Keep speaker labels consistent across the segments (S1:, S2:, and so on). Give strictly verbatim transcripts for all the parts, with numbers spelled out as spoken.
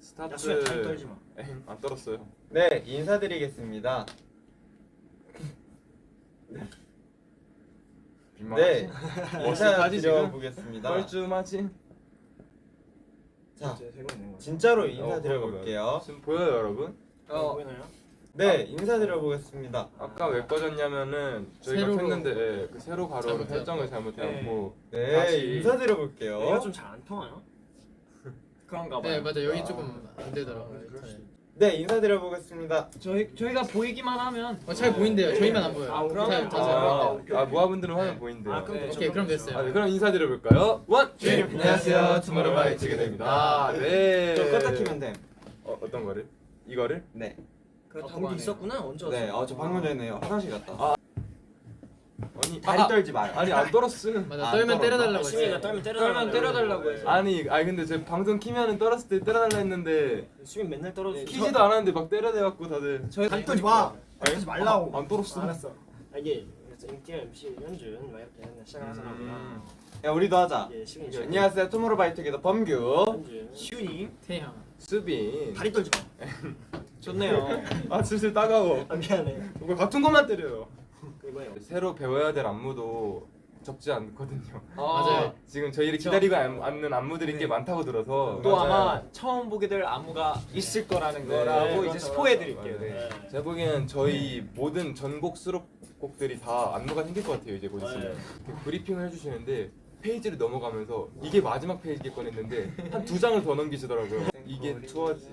S1: 스타트.
S2: 야, 수야, 다리 떨지 마.
S1: 에이, 안 떨었어요.
S3: 네, 인사드리겠습니다. 네, 인사드려보겠습니다.
S1: 뻘쭘하지?
S3: 자,
S2: 제 세고 있는 거.
S3: 진짜로
S1: 어,
S3: 인사드려볼게요.
S1: 지금 보여요, 여러분?
S2: 어, 보이나요?
S3: 네, 인사드려보겠습니다.
S1: 아까 왜 꺼졌냐면은 저희가
S4: 세로로-
S1: 켰는데 예, 그 세로 가로로
S4: 잘못해갖고.
S1: 설정을 잘못해갖고
S3: 네,
S1: 다시-
S3: 인사드려볼게요.
S2: 얘가 좀 잘 안 통하요? 그런가 봐요.
S4: 네 맞아 여기
S3: 아,
S4: 조금 안 되더라고요.
S2: 그럴 수도
S4: 인터넷.
S3: 네, 인사드려보겠습니다.
S2: 저희 저희가 보이기만 하면
S4: 어, 잘 보인대요. 저희만 안 보여요.
S2: 아, 그럼?
S4: 잘, 잘, 잘
S1: 아,
S4: 보인대요.
S1: 아 모아분들은 화면
S4: 네.
S1: 보인대요.
S2: 아, 그럼
S1: 네.
S2: 됐죠.
S4: 오케이 그럼 됐어요.
S1: 아, 네, 그럼 인사드려볼까요? 원!
S3: 네,
S1: 안녕하세요, 투모로우바이트가 됩니다. 네.
S3: 저 껐다 키면 돼.
S1: 어, 어떤 거를? 이거를?
S3: 네.
S2: 그
S4: 아,
S2: 방금 있었구나. 언제 왔어?
S3: 네, 어, 저 방금 전에 화장실 갔다.
S1: 아. 아니,
S3: 다리
S1: 아,
S3: 떨지 마요.
S1: 아니 안 떨었음.
S4: 맞아
S3: 안
S4: 떨면
S3: 떨어져.
S4: 때려달라고
S2: 시민이가
S4: 했어요.
S2: 떨면 때려달라고
S5: 떨면 때려달라고 해서.
S1: 아니, 아니 근데 제 방송 키면은 떨었을 때 때려달라 했는데
S2: 수민 맨날 떨어져.
S1: 키지도 않았는데 막 때려대갖고 다들.
S2: 저희
S5: 다리 떨지 마.
S2: 떨지 말라고.
S1: 아, 안 떨었어.
S5: 알았어.
S2: 아, 이게 그래서 인기가 엠씨 연준 막 이렇게 맨날 시작을 하잖아요.
S3: 야, 우리도 하자.
S2: 이게 시민이
S3: 네, 안녕하세요, 투모로우바이트게더 범규.
S2: 연준. 시윤이
S4: 태양.
S1: 수빈.
S2: 다리 떨지 마. 좋네요.
S1: 아 슬슬 따가워.
S2: 아, 미안해.
S1: 이거 같은 것만 때려요.
S2: 그거예요.
S1: 새로 배워야 될 안무도 적지 않거든요.
S4: 맞아요.
S1: 지금 저희를 기다리고 안- 앉는 안무들이 꽤 많다고 들어서
S5: 또
S1: 맞아요.
S5: 아마 처음 보게 될 안무가 있을 거라는
S1: 네.
S5: 거라고
S2: 네,
S5: 이제
S2: 맞아,
S5: 스포해
S2: 맞아.
S5: 드릴게요. 네.
S2: 네.
S1: 제가 보기엔 저희 모든 전곡 수록곡들이 다 안무가 생길 것 같아요 이제 곧 있으면.
S2: 네.
S1: 이렇게 브리핑을 해주시는데 페이지를 넘어가면서 이게 마지막 페이지겠건 했는데 한 두 장을 더 넘기시더라고요. 이게 투어지.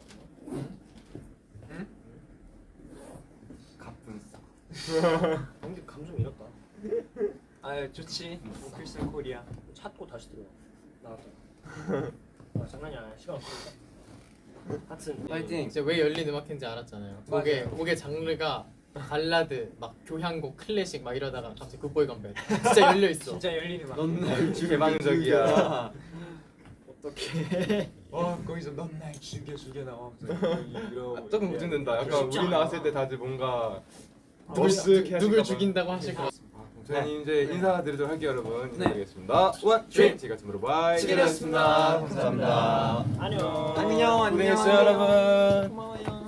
S1: 갑분싸.
S2: 근데 감정 잃었다.
S5: 아 좋지. 크리스탈 코리아.
S2: 찾고 다시 들어와. 나왔다. 아, 장난이 아니야. 시간 없으니까. 하여튼
S3: 파이팅.
S4: 이제 왜 열린 음악회인지 알았잖아요. 곡의 곡의 장르가 발라드, 막 교향곡, 클래식 막 이러다가 갑자기 굿보이 건배. 진짜 열려 있어.
S5: 진짜 열리는 막.
S3: 넌날
S1: 개방적이야.
S2: 어떻게?
S5: 어 거기서 넌 날 죽여 죽여 나와.
S1: 아, 조금 걱정된다. 약간
S2: 쉽지
S1: 우리
S2: 않아.
S1: 나왔을 때 다들 뭔가
S4: 누굴,
S1: 머쓱해
S4: 누,
S1: 하실까
S4: 누굴
S1: 봐.
S4: 죽인다고 하실 거.
S1: 저희는 이제 인사드리도록 할게요 여러분.
S5: 네.
S1: 인사드리겠습니다. 원, 쉐 제가 투모로우바이
S3: 치킨이었습니다. 감사합니다.
S2: 안녕.
S3: 안녕, 안녕.
S1: 고생했어요 여러분.
S2: 고마워요.